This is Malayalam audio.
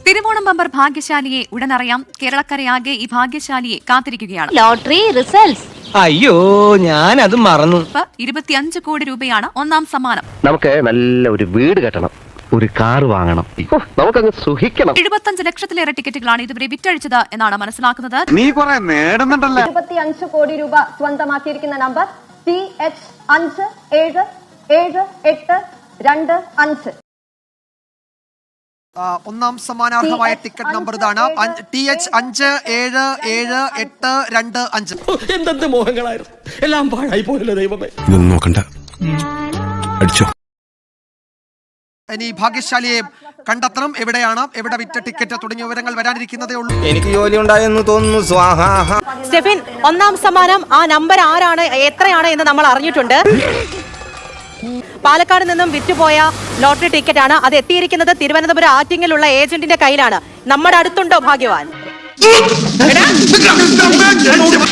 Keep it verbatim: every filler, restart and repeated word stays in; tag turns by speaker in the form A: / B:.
A: തിരുവോണം ബമ്പർ ഭാഗ്യശാലിയെ ഉടനറിയാം. കേരളക്കരയാകെ ഈ ഭാഗ്യശാലിയെ കാത്തിരിക്കുകയാണ്.
B: Lottery results.
C: അയ്യോ, ഞാൻ അത് മറന്നു.
A: ഇരുപത്തിയഞ്ച് കോടി രൂപയാണ് ഒന്നാം സമ്മാനം.
D: നമുക്ക് നല്ല ഒരു വീട് കെട്ടണം, ഒരു കാർ വാങ്ങണം, നമുക്കങ്ങ് സുഖിക്കണം.
A: എഴുപത്തഞ്ച് ലക്ഷത്തിലേറെ ടിക്കറ്റുകളാണ് ഇതുവരെ വിറ്റഴിച്ചത് എന്നാണ് മനസ്സിലാക്കുന്നത്.
E: നീ കുറെ നേടുന്നുണ്ടല്ലോ.
F: ഇരുപത്തിയഞ്ച് കോടി രൂപ സ്വന്തമാക്കിയിരിക്കുന്ന നമ്പർ ടി എച്ച് അഞ്ച് ഏഴ് ഏഴ് എട്ട് രണ്ട് അഞ്ച്.
G: ഒന്നാം സമ്മാനാർഹമായ ടിക്കറ്റ് നമ്പർ ഇതാണ്. ടി എച്ച് അഞ്ച് ഏഴ് ഏഴ് എട്ട് രണ്ട് അഞ്ച്.
H: എന്തെന്ത് മോഹങ്ങളായിരുന്നു, എല്ലാം പാഴായി പോയല്ലോ ദൈവമേ.
I: ഇതൊന്നും നോക്കണ്ട, അടിച്ചോ.
G: ഇനി ഭാഗ്യശാലിയെ കണ്ടെത്തണം. എവിടെയാണ്, എവിടെ വിറ്റ ടിക്കറ്റ് തുടങ്ങിയ വിവരങ്ങൾ വരാനിരിക്കുന്നതേ ഉള്ളൂ.
H: എനിക്ക് ജോലി ഉണ്ടായെന്ന് തോന്നുന്നു. സ്വാഹാ.
J: സ്റ്റെഫിൻ, ഒന്നാം സമ്മാനം ആ നമ്പർ ആരാണ്, എത്രയാണ് എന്ന് നമ്മൾ അറിഞ്ഞിട്ടുണ്ട്. പാലക്കാട് നിന്നും വിറ്റുപോയ ലോട്ടറി ടിക്കറ്റ് ആണ്. അത് എത്തിയിരിക്കുന്നത് തിരുവനന്തപുരം ആറ്റിങ്ങലുള്ള ഏജന്റിന്റെ കയ്യിലാണ്. നമ്മുടെ അടുത്തുണ്ടോ ഭാഗ്യവാൻ?